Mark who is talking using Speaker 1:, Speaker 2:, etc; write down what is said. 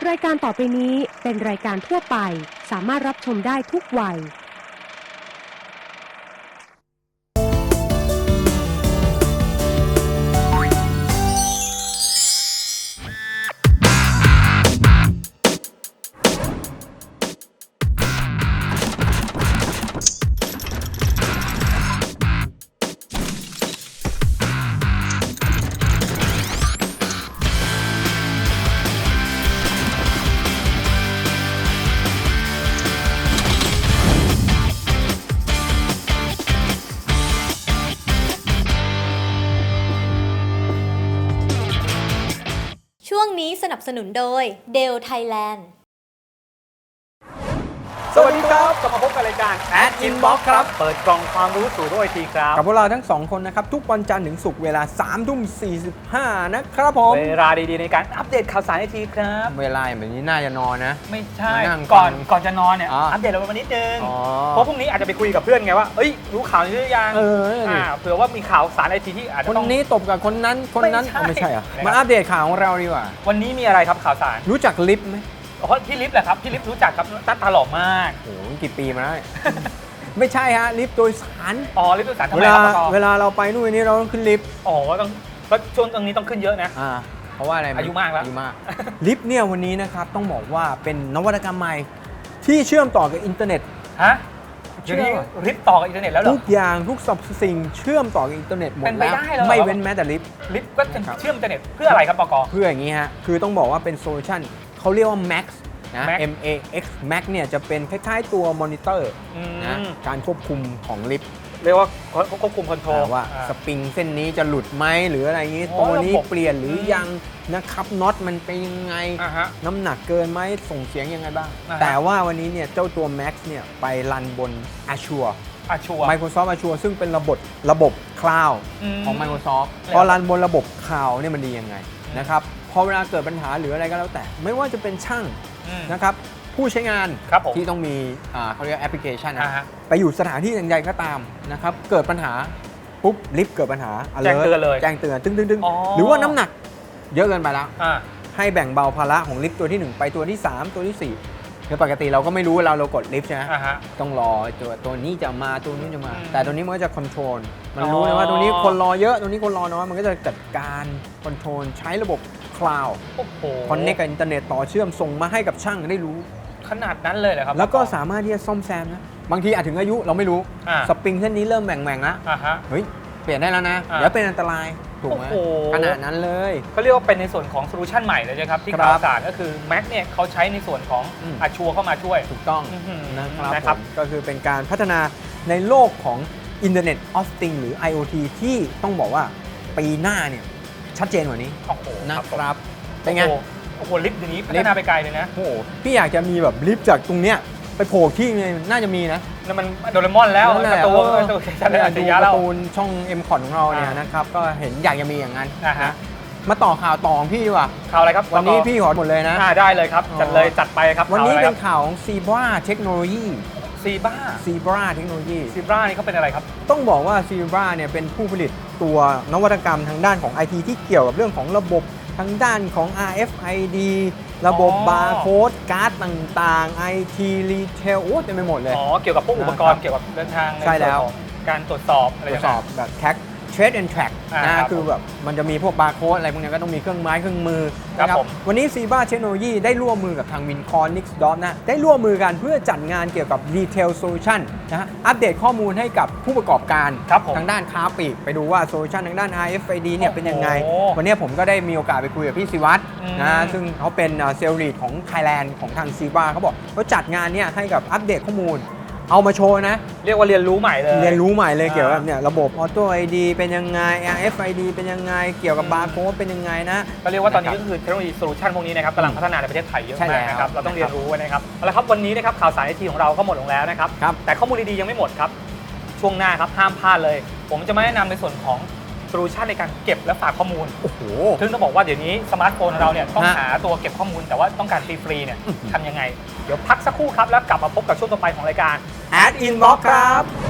Speaker 1: รายการต่อไปนี้เป็นรายการทั่วไปสามารถรับชมได้ทุกวัย
Speaker 2: ช่วงนี้สนับสนุนโดย Dell Thailand
Speaker 3: สวัสดีครับกลับมาพบกับรายการ Ad Inbox ครับ เปิดกล่องความรู้สู่โลกไอทีครับ
Speaker 4: กับพวกเราทั้ง2คนนะครับทุกวันจันทร์ถึงศุกร์เวลา 3:45 นะครับผม
Speaker 3: เวลาดีๆในการอัปเดตข่าวสารไอทีครับ
Speaker 4: เวลาแบบนี้น่าจะนอนนะ
Speaker 3: ไม่ใช่
Speaker 4: มานั่ง
Speaker 3: ก่อน
Speaker 4: ฟัง
Speaker 3: ก่อนจะนอนเนี่ย
Speaker 4: อ๋ออั
Speaker 3: อัปเดตเราไปนิดนึง
Speaker 4: อ๋อ
Speaker 3: เพราะพรุ่งนี้อาจจะไปคุยกับเพื่อนไงว่าเอ้ยรู้ข่าวนี้หรือยัง
Speaker 4: นี่
Speaker 3: เผื่อว่ามีข่าวสารไอทีที่อาจ
Speaker 4: ค
Speaker 3: จะ
Speaker 4: น
Speaker 3: ต้อง
Speaker 4: นี้ตบกับคนนั้นคนนั้น
Speaker 3: ไม่ใช่
Speaker 4: ไม่ใช่เหรอ
Speaker 3: นะครับ
Speaker 4: มาอัปเดตข่าวของเราดีกว่า
Speaker 3: วันนี้มีอะไรครับข่าวสาร
Speaker 4: รู้จักลิฟต์ไหม
Speaker 3: เพราะพี่ลิฟต์แหละครับพี่ลิฟต์รู้จักครับตาหล่อมาก
Speaker 4: โอ้โหกี่ปีมาแล้ว ไม่ใช่ฮะลิฟต์โดยสาร
Speaker 3: อ๋อลิฟต์สื่อสารทำ
Speaker 4: เว
Speaker 3: ไม
Speaker 4: ลา
Speaker 3: ครับปก
Speaker 4: เวลาเราไปนู่นนี่เราต้องขึ้นลิฟต์
Speaker 3: อ๋อต้องแล้วช่วงตรงนี้ต้องขึ้นเยอะนะ
Speaker 4: เพราะว่าอะไรไห
Speaker 3: อายุมากแล้ว
Speaker 4: อายุมาก ลิฟต์เนี่ยวันนี้นะครับต้องบอกว่าเป็นนวัตกรรมใหม่ที่เชื่อมต่อกับอินเทอร์เน็ต
Speaker 3: ฮะเดี๋ยวนี้ลิฟต์ต่อกับอินเทอร์เน็ตแล้วเหรอ
Speaker 4: ทุกอย่างทุกสรรพสิ่งเชื่อมต่อกับอินเทอร์เน็ตหมด
Speaker 3: เป็นไป
Speaker 4: แล้ว
Speaker 3: ได้เหรอ
Speaker 4: ไม่เว้นแม้แต่ลิฟต์
Speaker 3: ลิฟต์ก็จะ
Speaker 4: ครับ
Speaker 3: เชื่อมอินเทอร์เน็ตเพื่ออะไรครับปก
Speaker 4: เพื่ออย่างนี้ฮะคือต้องบอกว่าเป็นโซลูชันเขาเรียกว่า Max นะ
Speaker 3: Max
Speaker 4: MAX Max เนี่ยจะเป็นคล้ายๆตัวมอนิเตอร์นะการควบคุมของลิฟต์
Speaker 3: เรียกว่าควบคุมคอนโทรล
Speaker 4: ว่าสปริงเส้นนี้จะหลุดไหมหรืออะไรอย่างนี้
Speaker 3: โอ้
Speaker 4: ตัวนี้
Speaker 3: ระบบ
Speaker 4: เปลี่ยนหรือยังนะครับน็อตมันเป็นยังไง
Speaker 3: ฮะ
Speaker 4: น้ำหนักเกินไหมส่งเสียงยังไงบ้าง
Speaker 3: อ่าฮะ
Speaker 4: แต่ว่าวันนี้เนี่ยเจ้าตัว Max เนี่ยไปรันบน Azure
Speaker 3: ชัวร์
Speaker 4: Microsoft Azure ซึ่งเป็นระบบคลาวด์
Speaker 3: อืม
Speaker 4: ของ Microsoft
Speaker 3: แล้ว
Speaker 4: พอรันบนระบบคลาวด์เนี่ยมันดียังไงนะครับพอเวลาเกิดปัญหาหรืออะไรก็แล้วแต่ ไม่ว่าจะเป็นช่างนะครับผู้ใช้งาน
Speaker 3: ครับผม
Speaker 4: ที่ต้องมีเขาเรียกแอปพลิเคชัน
Speaker 3: อ่า
Speaker 4: นะ
Speaker 3: ฮะ
Speaker 4: ไปอยู่สถานที่ใดๆก็ตามนะครับเกิดปัญหาปุ๊บลิฟต์เกิดปัญหา alert
Speaker 3: แจ้งเตือนเลย
Speaker 4: แจ้งเตือนตึ้ง
Speaker 3: อ๋อ
Speaker 4: หรือว่าน้ำหนักเยอะเกินไปแล้ว
Speaker 3: อ่า
Speaker 4: ให้แบ่งเบาภาระของลิฟต์ตัวที่ 1 ไปตัวที่ 3 ตัวที่4คือปกติเราก็ไม่รู้เวลาเรากดลิฟต์ใช่ไหม
Speaker 3: อ่าฮะ
Speaker 4: ต้องรอตัวนี้จะมาตัวนี้จะมา
Speaker 3: อืม
Speaker 4: แต่ตัวนี้มันก็จะคอนโทรลมัน
Speaker 3: อ๋อ
Speaker 4: รู้นะว่าตัวนี้คนรอเยอะตัวนี้คนรอน้อยมันก็จะจัดการคอนโทรลใช้ระบบคลาวด์
Speaker 3: โอ้โห
Speaker 4: คอนเนคกับอินเทอร์เน็ตต่อเชื่อมส่งมาให้กับช่างได้รู้
Speaker 3: ขนาดนั้นเลยเหรอครับ
Speaker 4: แล้วก็สามารถที่จะซ่อมแซมนะบางทีอาจถึงอายุเราไม่รู้
Speaker 3: อ่า
Speaker 4: สปริงเส้นนี้เริ่มแหว่งๆแล้ว
Speaker 3: อ่าฮะ
Speaker 4: เฮ้ยเปลี่ยนได้แล้วนะ
Speaker 3: อ่า
Speaker 4: เดี๋ยวเป็นอันตรายถูกไหม
Speaker 3: โอ้โห
Speaker 4: ขนาดนั้นเลย
Speaker 3: ก็เรียกว่าเป็นในส่วนของโซลูชันใหม่เลยนะครับที่
Speaker 4: ครับ
Speaker 3: ข่าวสารก็คือ Mac เนี่ยเขาใช้ในส่วนของ
Speaker 4: อืม
Speaker 3: อาชัวเข้ามาช่วย
Speaker 4: ถูกต้อง
Speaker 3: อื้อหือ
Speaker 4: นะครับ
Speaker 3: นะครับ
Speaker 4: ผมก็คือเป็นการพัฒนาในโลกของ Internet of Things หรือ IoT ที่ต้องบอกว่าปีหน้าเนี่ยชัดเจนกว่านี้
Speaker 3: โอ้โห
Speaker 4: นะครับเป็นไง
Speaker 3: โอ้โหลิฟต์เดี๋ยวนี้พัฒนาไปไกลเลยนะ
Speaker 4: โอ้โหพี่อยากจะมีแบบลิฟต์จากตรงเนี้ยไปโผล่ที่นึงน่าจะมีนะ
Speaker 3: นั่นมันโดเรมอนแล้ว
Speaker 4: นั่นแห
Speaker 3: การ์
Speaker 4: ละ
Speaker 3: ตูน
Speaker 4: เออ
Speaker 3: การ์ตูนชั้น
Speaker 4: เนี่ย
Speaker 3: อัจฉ
Speaker 4: ดู
Speaker 3: ริยะ
Speaker 4: กา
Speaker 3: แล้ว
Speaker 4: ร์ตูนช่อง M คอของเราเนี่ย
Speaker 3: อ่าน
Speaker 4: นะครับก็เห็นอยากจะมีอย่างนั้น
Speaker 3: อ่าฮะ
Speaker 4: มาต่อข่าวต่อของพี่ดีกว่า
Speaker 3: ข่าวอะไรครับ
Speaker 4: วันนี้
Speaker 3: ปก
Speaker 4: พี่ขอหมดเลยนะ
Speaker 3: ได้เลยครับ
Speaker 4: อ๋อ
Speaker 3: จัดเลยจัดไปครับ
Speaker 4: วันนี้
Speaker 3: ข่าวอะไร
Speaker 4: เป็
Speaker 3: คน รับ
Speaker 4: ข่าวของ Zebra Technology
Speaker 3: ซีบ้า
Speaker 4: Zebra Technology
Speaker 3: ซีบ้านี่เขาเป็นอะไรครับ
Speaker 4: ต้องบอกว่า Zebra เนี่ยเป็นผู้ผลิตตัวนวัตกรรมทางด้านของ IT ที่เกี่ยวกับเรื่องของระบบทางด้านของ RFID ระบบ
Speaker 3: อ๋อ
Speaker 4: บาร์โค้ดการ์ดต่างๆ IT Retail โอ้เต็มไปหมดเลย
Speaker 3: อ๋อเกี่ยวกับพวกอุปกรณ์เกี่ยวกับเดินทางใน
Speaker 4: ใช่แล้ว
Speaker 3: ส่วนของการตรวจสอบอะไร
Speaker 4: ตรวจสอบ
Speaker 3: ต่าง
Speaker 4: แบบ Trace and Track
Speaker 3: อ่า
Speaker 4: นะครับ คือแบบมันจะมีพวกบาร์โค้ดอะไรพวกนี้ก็ต้องมีเครื่องไม้เครื่องมือ
Speaker 3: ครับ
Speaker 4: นะ
Speaker 3: ผม
Speaker 4: วันนี้ Zebra Technology ได้ร่วมมือกับทาง Wincon Nixdot นะได้ร่วมมือกันเพื่อจัดงานเกี่ยวกับ Retail Solution นะฮะอัปเดตข้อมูลให้กับผู้ประกอบการ
Speaker 3: ครับผม
Speaker 4: ทางด้านค้าปลีกไปดูว่าโซลูชันทางด้าน RFID เนี่ยเป็นยังไง
Speaker 3: โอ้โห
Speaker 4: วันนี้ผมก็ได้มีโอกาสไปคุยกับพี่ศิวัตร
Speaker 3: อืม
Speaker 4: นะซึ่งเขาเป็นเซลล์ลีดของ Thailand ของทาง Zebra เขาบอกเขาจัดงานเนี่ยให้กับอัปเดตข้อมูล เอามาโชว์นะ
Speaker 3: เรียกว่าเรียนรู้ใหม่เลย
Speaker 4: เรียนรู้ใหม่เลย
Speaker 3: อ่า
Speaker 4: เกี่ยวกับเนี่ยระบบ Auto ID เป็นยังไง RFID เป็นยังไง เกี่ยวกับบาร์โค้ดเป็นยังไงนะ
Speaker 3: ก็เรียกว่าตอนนี้ก็คือเทคโนโลยีโซลูชันพวกนี้นะครับกำลังพัฒนาในประเทศไทยเยอะ
Speaker 4: ใช่แล้ว
Speaker 3: มากนะครับเราต้องเรียนรู้ไว้นะครับเอาละครับวันนี้นะครับข่าวสารไอทีของเราก็หมดลงแล้วนะครับ
Speaker 4: ครับ
Speaker 3: แต่ข้อมูลดีๆยังไม่หมดครับช่วงหน้าครับห้ามพลาดเลย ผมจะมาแนะนำในส่วนของโซลูชันในการเก็บและฝากข้อมูล
Speaker 4: โอ้โห
Speaker 3: ซึ่งต้องบอกว่าเดี๋ยวนี้สมาร์ทโฟนของเราเนี่ยต้อง
Speaker 4: ฮะ
Speaker 3: หาตัวเก็บข้อมูลแต่ว่าต้องการฟรีๆเนี่ยทำยังไง เดี๋ยวพักสักครู่ครับแล้วกลับมาพบกับช่วงต่อไปของรายการ
Speaker 4: Ad Inbox ครับ